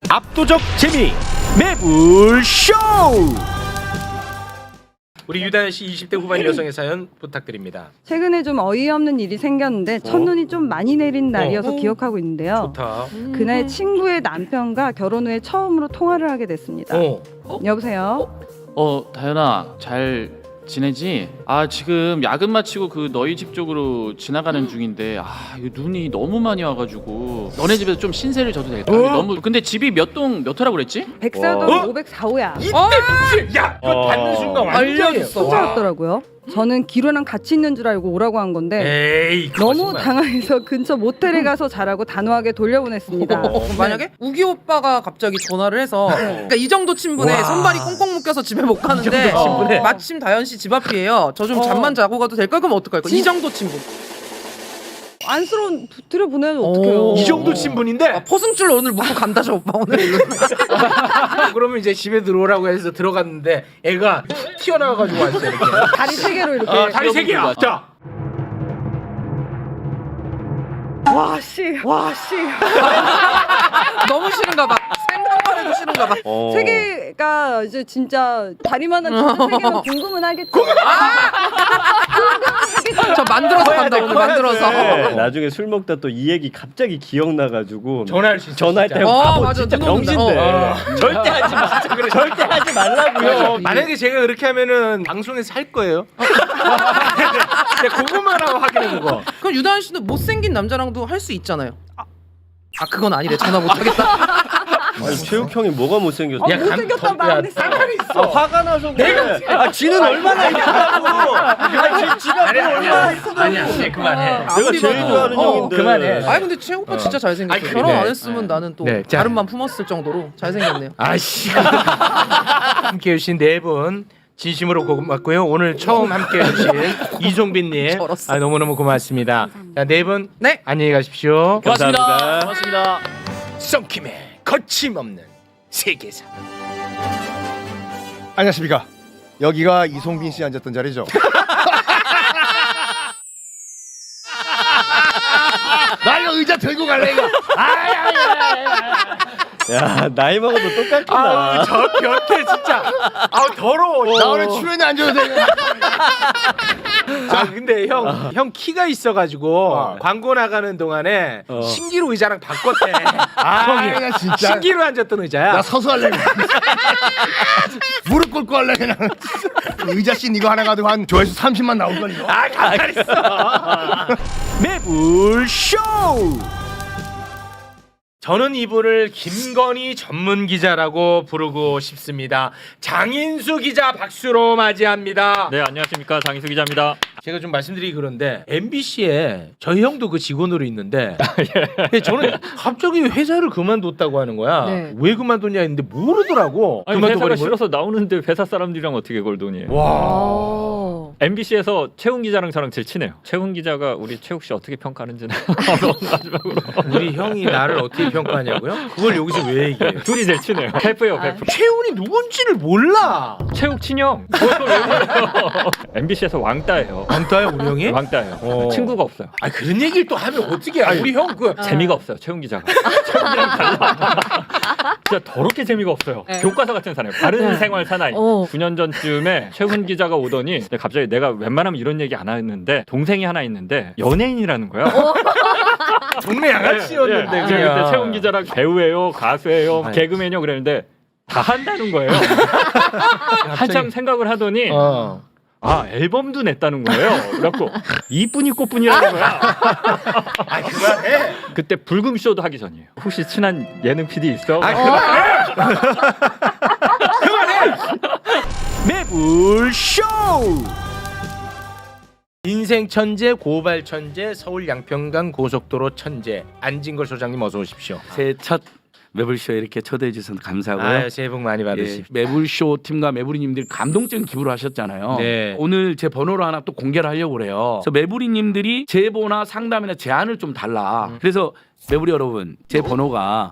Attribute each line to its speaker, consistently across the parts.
Speaker 1: 압도적 재미 매불쇼. 우리 유다현 씨 20대 후반 여성의 사연 부탁드립니다.
Speaker 2: 최근에 좀 어이없는 일이 생겼는데 첫눈이 좀 많이 내린 날이어서 기억하고 있는데요.
Speaker 1: 좋다.
Speaker 2: 그날 친구의 남편과 결혼 후에 처음으로 통화를 하게 됐습니다. 여보세요?
Speaker 3: 다현아 잘 지내지? 지금 야근 마치고 그 너희 집 쪽으로 지나가는 중인데 이거 눈이 너무 많이 와가지고 너네 집에서 좀 신세를 져도 될까? 너무 근데 집이 몇 호라고 그랬지?
Speaker 2: 백사동 504호야.
Speaker 1: 이때 미치. 야, 이거 받는 순간 완전히
Speaker 2: 혼자였더라고요. 저는 기로랑 같이 있는 줄 알고 오라고 한 건데
Speaker 1: 에이,
Speaker 2: 너무
Speaker 1: 거짓말.
Speaker 2: 당황해서 근처 모텔에 가서 자라고 단호하게 돌려보냈습니다.
Speaker 4: 만약에 우기 오빠가 갑자기 전화를 해서 그러니까 이 정도 친분에
Speaker 1: 와.
Speaker 4: 손발이 꽁꽁 묶여서 집에 못 가는데
Speaker 1: 친분에.
Speaker 4: 마침 다현 씨 집 앞이에요. 저 좀 잠만 자고 가도 될까? 그럼 어떡할 거야? 이 정도 친분.
Speaker 2: 안쓰러운 들여보내면 어떡해요.
Speaker 1: 이 정도 친분인데
Speaker 4: 포승줄 오늘 묶고 간다 저 오빠 오늘.
Speaker 1: 그러면 이제 집에 들어오라고 해서 들어갔는데 애가 튀어나와가지고 왔어 이렇게.
Speaker 2: 다리 세 개로 이렇게.
Speaker 1: 다리 세 개야. 자,
Speaker 2: 와 씨.
Speaker 4: 너무 싫은가 봐. 생각만 해도 싫은가 봐.
Speaker 2: 세 개가 이제 진짜 다리만한 진짜 세 개면 궁금은 하겠죠.
Speaker 4: 저 만들어서 간다 오늘 만들어서.
Speaker 5: 네, 나중에 술 먹다 또 이 얘기 갑자기 기억나가지고
Speaker 1: 전화할 수 있어.
Speaker 5: 전화할
Speaker 1: 진짜.
Speaker 5: 때 바보
Speaker 4: 맞아.
Speaker 5: 진짜
Speaker 4: 눈 온다.
Speaker 5: 병신데 절대 하지 마. 절대 하지 말라고요.
Speaker 1: 만약에 제가 그렇게 하면은 방송에서 할 거예요. 그것만 하고 확인해 보고.
Speaker 4: 그럼 유다현 씨는 못생긴 남자랑도 할 수 있잖아요. 그건 아니래. 전화 못 하겠다.
Speaker 5: 아니, 최욱 형이 뭐가 못생겼어?
Speaker 2: 못생겼다고 말 안 했어.
Speaker 5: 화가 나서 그래. 지는 얼마나 이쁘다고. 지가 얼마나 이쁘다고.
Speaker 1: 아니야, 그만해.
Speaker 5: 내가 제일 좋아하는 형인데.
Speaker 1: 그만해.
Speaker 4: 아니 근데 최 오빠 진짜 잘생겼어.
Speaker 1: 아니,
Speaker 4: 결혼
Speaker 1: 네.
Speaker 4: 안 했으면 나는 또
Speaker 1: 네, 자.
Speaker 4: 다른만 품었을 정도로 잘생겼네요.
Speaker 1: 아씨. 함께 해주신 네 분 진심으로 고맙고요. 오늘 처음 함께 해주신 이종빈님 너무너무 고맙습니다. 자, 네 분
Speaker 4: 네.
Speaker 1: 안녕히 가십시오.
Speaker 5: 감사합니다.
Speaker 3: 고맙습니다.
Speaker 1: 썬킴의 거침없는 세계사.
Speaker 6: 안녕하십니까. 여기가 이송빈 씨 앉았던 자리죠. 나 이거 의자 들고 갈래 이거.
Speaker 5: 야 나이 먹어도 똑같구나.
Speaker 1: 저 곁에 진짜 더러워.
Speaker 6: 나 오늘 출연에 앉아도 되냐?
Speaker 1: 근데 형 키가 있어가지고 광고 나가는 동안에 신기루 의자랑 바꿨대.
Speaker 6: 나 진짜.
Speaker 1: 신기루 앉았던 의자야.
Speaker 6: 나 서서 할래. 무릎 꿇고 할래 그냥. 의자 씬 이거 하나 가지고 한 조회수 30만 나올 걸 이거.
Speaker 1: 가만히 있어. 매불쇼. 저는 이분을 김건희 전문 기자라고 부르고 싶습니다. 장인수 기자 박수로 맞이합니다.
Speaker 3: 네, 안녕하십니까, 장인수 기자입니다.
Speaker 1: 제가 좀 말씀드리기 그런데 MBC에 저희 형도 그 직원으로 있는데 근데 저는 갑자기 회사를 그만뒀다고 하는 거야.
Speaker 2: 네.
Speaker 1: 왜 그만뒀냐 했는데 모르더라고.
Speaker 7: 아니, 회사가
Speaker 1: 그만둬버린 거야?
Speaker 7: 싫어서 나오는데 회사 사람들이랑 어떻게 그걸 돈이?
Speaker 1: 와.
Speaker 7: MBC에서 최훈 기자랑 저랑 제일 친해요. 최훈 기자가 우리 최욱 씨 어떻게 평가하는지는 마지막으로
Speaker 1: 우리 형이 나를 어떻게 평가하냐고요? 그걸 여기서 왜 얘기해요?
Speaker 7: 둘이 제일 친해요. 베프예요, 베프.
Speaker 1: 최훈이 누군지를 몰라.
Speaker 7: 최욱 친형. 그걸 왜 몰라요? MBC에서 왕따예요.
Speaker 1: 왕따야 우리 형이?
Speaker 7: 왕따예요. 친구가 없어요.
Speaker 1: 아 그런 얘기를 또 하면 어떻게 해? 우리 형 그
Speaker 7: 재미가 없어요, 최훈 기자가. 최훈 기자랑 달라. 진짜 더럽게 재미가 없어요. 교과서 같은 사나이. 바른 생활 사나이. 9년 전쯤에 최훈 기자가 오더니 갑자기 내가 웬만하면 이런 얘기 안 하는데 동생이 하나 있는데 연예인이라는 거야.
Speaker 1: 동네 양아치였는데
Speaker 7: 예. 제가 그때 최훈 기자랑 배우예요, 가수예요, 개그맨이요 그랬는데 다 한다는 거예요. 한참 생각을 하더니 앨범도 냈다는 거예요. 그래갖고 이쁜이 꽃분이라는 거야.
Speaker 1: 그만해.
Speaker 7: 그때 불금쇼도 하기 전이에요. 혹시 친한 예능 PD 있어?
Speaker 1: 그만해. 매불쇼. 인생 천재, 고발 천재, 서울 양평강 고속도로 천재 안진걸 소장님 어서 오십시오.
Speaker 8: 새 첫 매불쇼에 이렇게 초대해 주셔서 감사하고요.
Speaker 1: 아유, 새해 복 많이 받으십시오.
Speaker 8: 매불쇼 팀과 매부리님들 감동적인 기부를 하셨잖아요.
Speaker 1: 네.
Speaker 8: 오늘 제 번호를 하나 또 공개를 하려고 그래요. 그래서 매부리님들이 제보나 상담이나 제안을 좀 달라. 그래서 매부리 여러분 제 번호가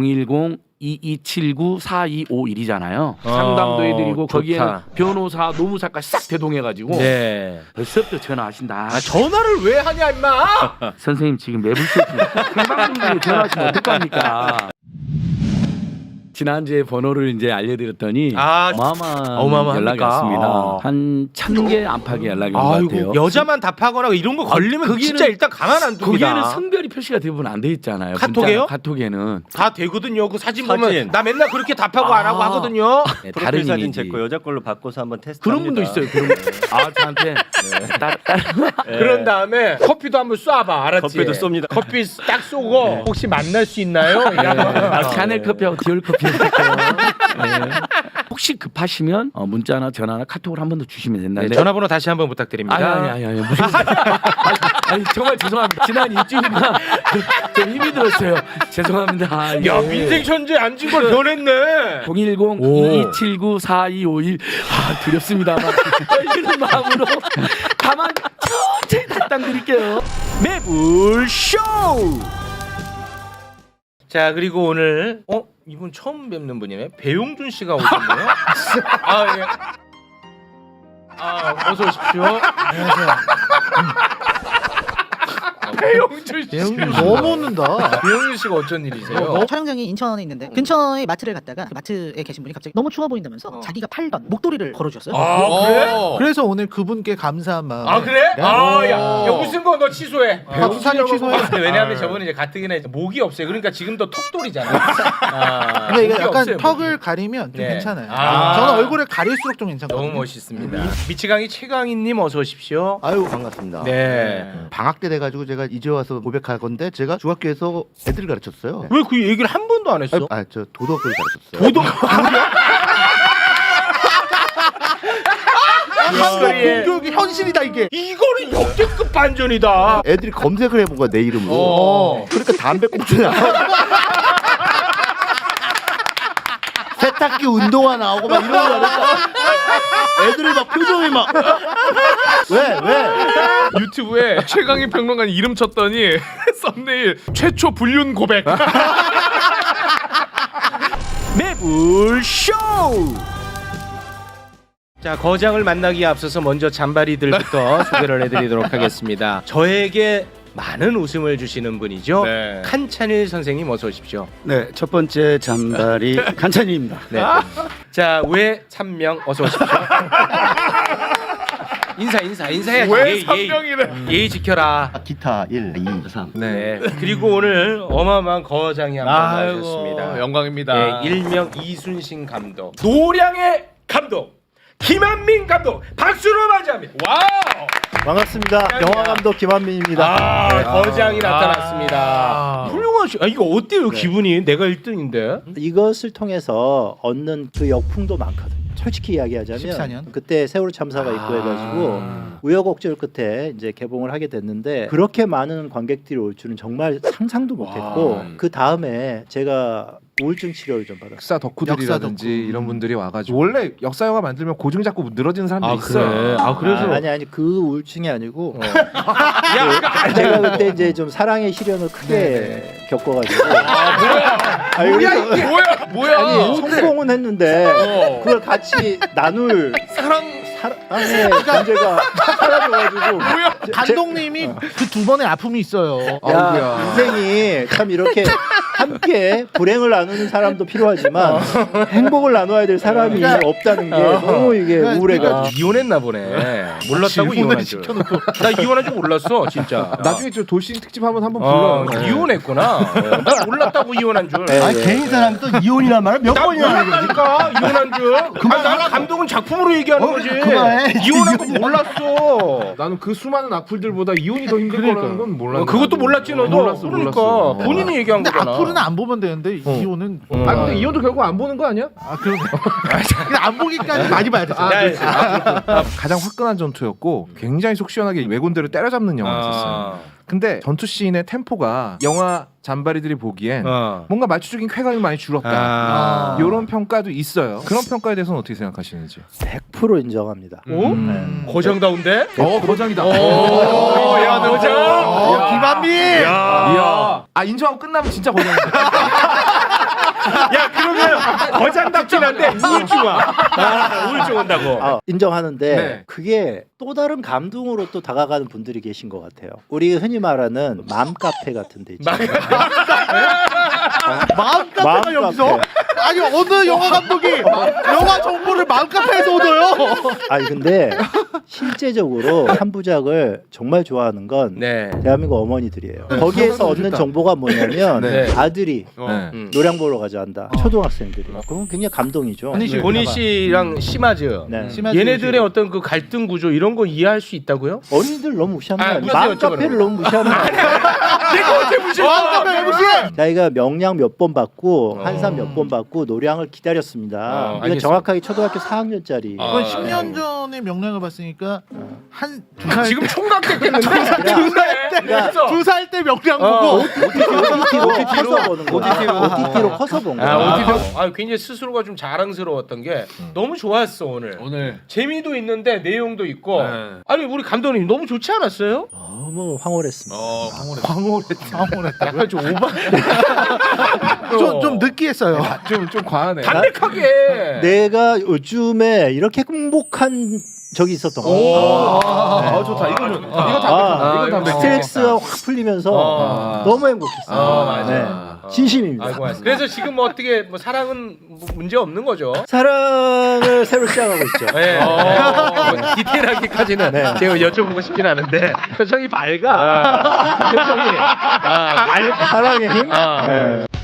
Speaker 8: 010-2279-4251이잖아요. 상담도 해드리고
Speaker 1: 좋다.
Speaker 8: 거기에는 변호사, 노무사까지 싹 대동해가지고
Speaker 1: 네.
Speaker 8: 벌써부터 전화하신다.
Speaker 1: 전화를 왜 하냐 임마.
Speaker 8: 선생님 지금 매불쇼 팀 생방송 중에 전화하시면 어떡합니까? 지난주에 번호를 이제 알려드렸더니 어마어마한
Speaker 1: 어마어마합니까?
Speaker 8: 연락이 왔습니다.
Speaker 1: 아.
Speaker 8: 한 1000개 안팎의 연락이 온 것 같아요.
Speaker 1: 여자만 답하거나 이런 거 걸리면 진짜 일단 가만 안 둡니다.
Speaker 8: 거기에는 성별이 표시가 대부분 안 돼 있잖아요.
Speaker 1: 카톡에요?
Speaker 8: 문자, 카톡에는
Speaker 1: 다 되거든요. 그 사진 보면 나 맨날 그렇게 답하고 안 하고 하거든요.
Speaker 8: 네,
Speaker 5: 프로필
Speaker 8: 다른
Speaker 5: 사진
Speaker 8: 이미지.
Speaker 5: 제 거 여자 걸로 바꿔서 한번 테스트.
Speaker 8: 그런 분도 있어요. 그런 분. 저한테
Speaker 1: 그런 다음에 커피도 한번 쏴봐. 알았지?
Speaker 5: 커피도 쏩니다.
Speaker 1: 커피 딱 쏘고 혹시 만날 수 있나요?
Speaker 8: 샤넬 커피하고 디올 커피 해드릴게요. 네. 혹시 급하시면 문자나 전화나 카톡을 한 번 더 주시면 된다.
Speaker 1: 네, 전화번호 다시 한번 부탁드립니다.
Speaker 8: 아니 무슨 아니 정말 죄송합니다. 지난 일주일간 좀 힘이 들었어요. 죄송합니다.
Speaker 1: 야 민생 천재 앉은 걸 변했네.
Speaker 8: 010-2279-4251 두렵습니다만 이런 마음으로 다만 천천히 답장드릴게요.
Speaker 1: 매불쇼. 자 그리고 오늘 이분 처음 뵙는 분이네. 배용준 씨가 오셨네요. 예. 어서 오십시오. 안녕하세요. 배용준 씨.
Speaker 9: 너무 웃는다.
Speaker 1: 배용준 씨가 어쩐 일이세요?
Speaker 9: 촬영장이 인천에 있는데 근처에 마트를 갔다가 그 마트에 계신 분이 갑자기 너무 추워 보인다면서 자기가 팔던 목도리를 걸어주셨어요.
Speaker 1: 그래?
Speaker 9: 그래서 오늘 그분께 감사한 마음.
Speaker 1: 그래? 야 웃은 거 너 취소해.
Speaker 9: 박수찬이 취소해.
Speaker 1: 왜냐하면 저번에 이제 가뜩이나 이제 목이 없어요. 그러니까 지금도 턱돌이잖아.
Speaker 9: 근데 이게
Speaker 1: 목이
Speaker 9: 약간
Speaker 1: 없어요,
Speaker 9: 턱을
Speaker 1: 목이.
Speaker 9: 가리면 좀
Speaker 1: 네.
Speaker 9: 괜찮아요.
Speaker 1: 아.
Speaker 9: 저는 얼굴을 가릴수록 좀 괜찮거든요.
Speaker 1: 너무 멋있습니다. 미치광이 최강희님 어서 오십시오.
Speaker 6: 아유 반갑습니다.
Speaker 1: 네.
Speaker 6: 방학 때 돼가지고 제가 이제 와서 고백할 건데 제가 중학교에서 애들을 가르쳤어요.
Speaker 1: 왜 그 얘기를 한 번도 안 했어?
Speaker 6: 저 도덕을 가르쳤어요.
Speaker 9: 공교육이 현실이다 이게.
Speaker 1: 이거는 역대급 반전이다.
Speaker 6: 애들이 검색을 해본 거야 내 이름으로. 그러니까 담배꽁초 나오고 세탁기 운동화 나오고 막 이런 거 하니까 애들이 막 표정이 막 왜?
Speaker 10: 유튜브에 최강희 평론가 이름 쳤더니 썸네일 최초 불륜 고백.
Speaker 1: 매불쇼. 자 거장을 만나기에 앞서서 먼저 잔바리들부터 소개를 해드리도록 하겠습니다. 저에게 많은 웃음을 주시는 분이죠.
Speaker 10: 네.
Speaker 1: 칸찬일 선생님 어서 오십시오.
Speaker 11: 네, 첫 번째 잔발이 칸찬입니다.
Speaker 1: 네. 자 외찬명 어서 오십시오. 인사해야지.
Speaker 10: 왜 3명이래?
Speaker 1: 예의 지켜라.
Speaker 6: 기타 1, 2, 3.
Speaker 1: 네. 그리고 오늘 어마어마한 거장이 한 분 나오셨습니다.
Speaker 10: 영광입니다.
Speaker 1: 네, 일명 이순신 감독, 노량의 감독, 김한민 감독, 박수로 맞이합니다. 와우!
Speaker 6: 반갑습니다. 영화 감독 김한민입니다.
Speaker 1: 거장이 나타났습니다. 훌륭하시. 이거 어때요 기분이? 내가 1등인데.
Speaker 11: 이것을 통해서 얻는 그 역풍도 많거든요. 솔직히 이야기하자면
Speaker 9: 14년?
Speaker 11: 그때 세월호 참사가 있고 해가지고 우여곡절 끝에 이제 개봉을 하게 됐는데 그렇게 많은 관객들이 올 줄은 정말 상상도 못했고 그 다음에 제가 우울증 치료를 좀 받았어요.
Speaker 10: 역사 덕후들이라든지
Speaker 9: 역사 덕후.
Speaker 10: 이런 분들이 와가지고 원래 역사 영화 만들면 고증 잡고 늘어지는 사람들이 있어요.
Speaker 1: 그래서
Speaker 11: 아니 그 우울증이 아니고 제가 그때 이제 좀 사랑의 시련을 크게 겪어가지고
Speaker 10: 뭐야?
Speaker 11: 아니 성공은 했는데 그걸 같이 나눌 사랑의 존재가 사라져가지고
Speaker 9: 감독님이 그 두 번의 아픔이 있어요.
Speaker 11: 야 인생이 참 이렇게 함께 불행을 나누는 사람도 필요하지만 행복을 나눠야 될 사람이 없다는 게 너무 이게 우울해가지고
Speaker 1: 이혼했나 보네. 몰랐다고 이혼한 줄. 나 이혼한 줄 몰랐어 진짜.
Speaker 10: 나중에 저 돌싱 특집 한번 불러요.
Speaker 1: 이혼했구나. 나 몰랐다고 이혼한 줄.
Speaker 6: 괜히 사람이 또 이혼이란 말을 몇 번이나 하는 거지.
Speaker 1: 몰랐다니까 이혼한 줄. 나는 감독은 작품으로 얘기하는 거지.
Speaker 6: 그만해.
Speaker 1: 이혼한 거 몰랐어.
Speaker 10: 나는 그 수많은 악플들보다 이혼이 더 힘들 거라는 건 몰랐어.
Speaker 1: 그것도 몰랐지 너도.
Speaker 10: 몰랐어.
Speaker 1: 그러니까 본인이 얘기한
Speaker 9: 근데
Speaker 1: 거잖아.
Speaker 9: 악플은 안 보면 되는데 이혼은
Speaker 10: 근데 이혼도 결국 안 보는 거 아니야?
Speaker 9: 그러네. 그냥 안 보기까지 많이 봐야 돼.
Speaker 10: 가장 화끈한 전투였고 굉장히 속 시원하게 왜군대를 때려잡는 영화였었어요. 근데 전투 씬의 템포가 영화 잔바리들이 보기엔 뭔가 말초적인 쾌감이 많이 줄었다. 이런 평가도 있어요. 그런 평가에 대해서는 어떻게 생각하시는지?
Speaker 11: 100% 인정합니다.
Speaker 1: 거장다운데?
Speaker 10: 거장이다.
Speaker 1: 야 거장.
Speaker 10: 김한민. 아 인정하고 끝나면 진짜 거장이다.
Speaker 1: 야 그러면 거장답긴 한데 우울증 와. 우울증 온다고.
Speaker 11: 인정하는데
Speaker 1: 네.
Speaker 11: 그게 또 다른 감동으로 또 다가가는 분들이 계신 것 같아요. 우리 흔히 말하는 맘카페 같은 데 있잖아요.
Speaker 6: 마음카페가 여기서? 아니 어느 영화 감독이 영화 정보를 마음카페에서 얻어요?
Speaker 11: 아니 근데 실제적으로 한 부작을 정말 좋아하는 건
Speaker 1: 네.
Speaker 11: 대한민국 어머니들이에요. 거기에서 얻는 정보가 뭐냐면
Speaker 1: 네.
Speaker 11: 아들이
Speaker 10: 네.
Speaker 11: 노량 보러 가자한다. 초등학생들이. 그건 굉장히 감동이죠.
Speaker 1: 보니 씨랑 심하즈.
Speaker 11: 네.
Speaker 1: 얘네들의 어떤 그 갈등 구조 이런 거 이해할 수 있다고요?
Speaker 11: 어린이들 너무 무시하는 거 아니에요?
Speaker 1: 무시해요,
Speaker 11: 맘카페를 너무 무시하는 거 아니에요?
Speaker 1: 내가 언제 무시해?
Speaker 6: 마음카페 왜 무시해?
Speaker 11: 자기가 명량 몇 번 받고 한산 몇 번 받고 노량을 기다렸습니다. 이건
Speaker 1: 알겠습니다.
Speaker 11: 정확하게 초등학교 4학년짜리.
Speaker 6: 그건 10년 전에 명량을 봤으니까 한 두 살
Speaker 1: 지금 총각 됐겠는데?
Speaker 11: 그러니까
Speaker 6: 2살 때 명량
Speaker 1: 어.
Speaker 6: 보고
Speaker 11: OTT로 커서 보는 거야. OTT로 커서 본 거야.
Speaker 1: 굉장히 스스로가 좀 자랑스러웠던 게 너무 좋았어 오늘. 재미도 있는데 내용도 있고. 아니 우리 감독님 너무 좋지 않았어요?
Speaker 11: 너무 황홀했습니다.
Speaker 6: 황홀했다.
Speaker 1: 약간 좀 오바.
Speaker 6: 좀 느끼했어요.
Speaker 10: 좀 과하네.
Speaker 1: 담백하게.
Speaker 11: 내가 요즘에 이렇게 행복한 적이 있었던 거야.
Speaker 10: 좋다. 이거는 이거 담백하다. 이건 담백하다.
Speaker 11: 스트레스가 확 풀리면서 너무 행복했어요.
Speaker 1: 맞아.
Speaker 11: 진심입니다.
Speaker 1: 아이고, 그래서 지금 뭐 어떻게 뭐 사랑은 문제 없는 거죠?
Speaker 11: 사랑을 새로 시작하고 있죠.
Speaker 1: 네. 디테일하게까지는 제가 여쭤보고 싶진 않은데 표정이 밝아. 표정이.
Speaker 11: 사랑의 힘?